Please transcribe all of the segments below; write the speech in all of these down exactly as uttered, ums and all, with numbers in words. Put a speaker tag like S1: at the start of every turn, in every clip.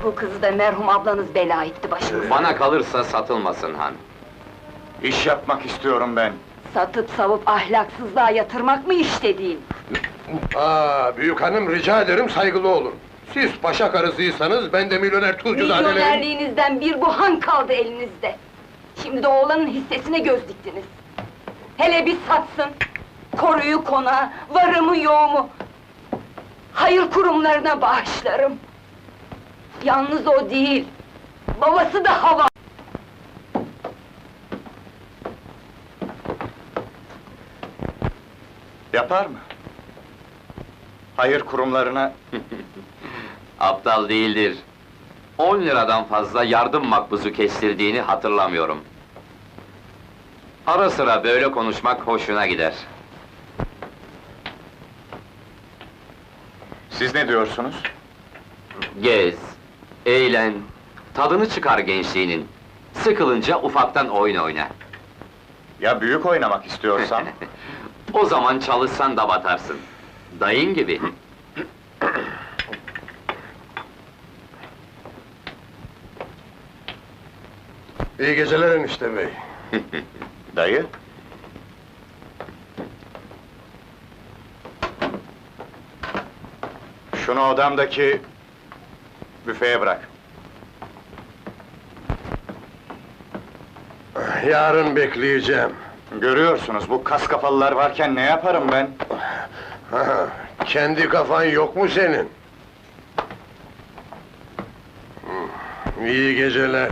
S1: Bu kızı da merhum ablanız bela etti başımıza.
S2: Bana kalırsa satılmasın han.
S3: İş yapmak istiyorum ben.
S1: Satıp savup ahlaksızlığa yatırmak mı iş dediğin?
S4: Aa, büyük hanım rica ederim saygılı olun. Siz paşa karısıysanız ben de milyoner tuzcuzadelerim.
S1: Milyonerliğinizden bir bu han kaldı elinizde. Şimdi de oğlanın hissesine göz diktiniz. Hele bir satsın! Koruyu konağı, varımı yoğumu! Hayır kurumlarına bağışlarım! Yalnız o değil, babası da hava!
S3: Yapar mı? Hayır kurumlarına...
S2: Aptal değildir. On liradan fazla yardım makbuzu kestirdiğini hatırlamıyorum. Ara sıra böyle konuşmak hoşuna gider.
S3: Siz ne diyorsunuz?
S2: Gez, eğlen, tadını çıkar gençliğinin. Sıkılınca ufaktan oyun oyna.
S3: Ya büyük oynamak istiyorsam?
S2: O zaman çalışsan da batarsın. Dayın gibi.
S4: İyi geceler enişte bey.
S3: Dayı? Şunu odamdaki... büfeye bırak.
S4: Yarın bekleyeceğim.
S3: Görüyorsunuz, bu kas kafalılar varken ne yaparım ben?
S4: Ha, kendi kafan yok mu senin? Hmm, İyi geceler.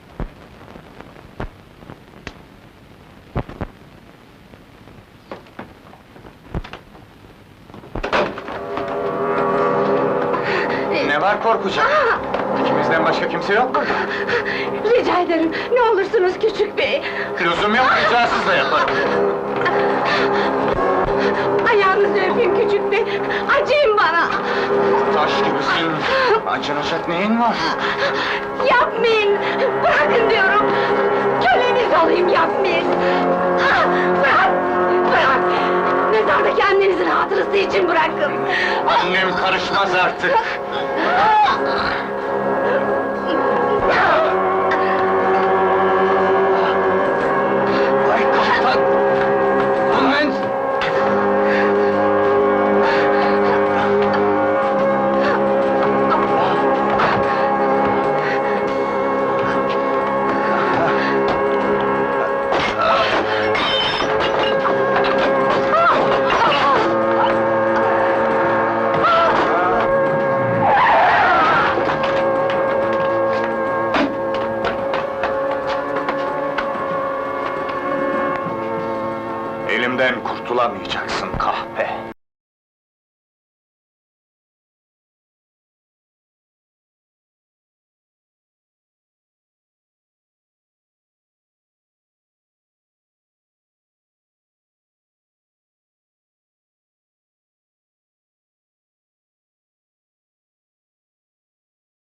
S3: Ne var korkacak? İkimizden başka kimse yok mu?
S1: Rica ederim, ne olursunuz küçük bey!
S3: Lüzum yok, ricasız da yaparım.
S1: Ayağınızı öpeyim küçük bey, acıyın bana!
S3: Taş gibisin, acınacak neyin var?
S1: Yapmayın! Bırakın diyorum! Köleniz olayım, yapmayın! Ah, bırak! Bırak! Mezardaki annenizin hatırası için bırakın!
S3: Annem karışmaz artık! Ay kaptan! Annen! Elimden kurtulamayacaksın kahpe!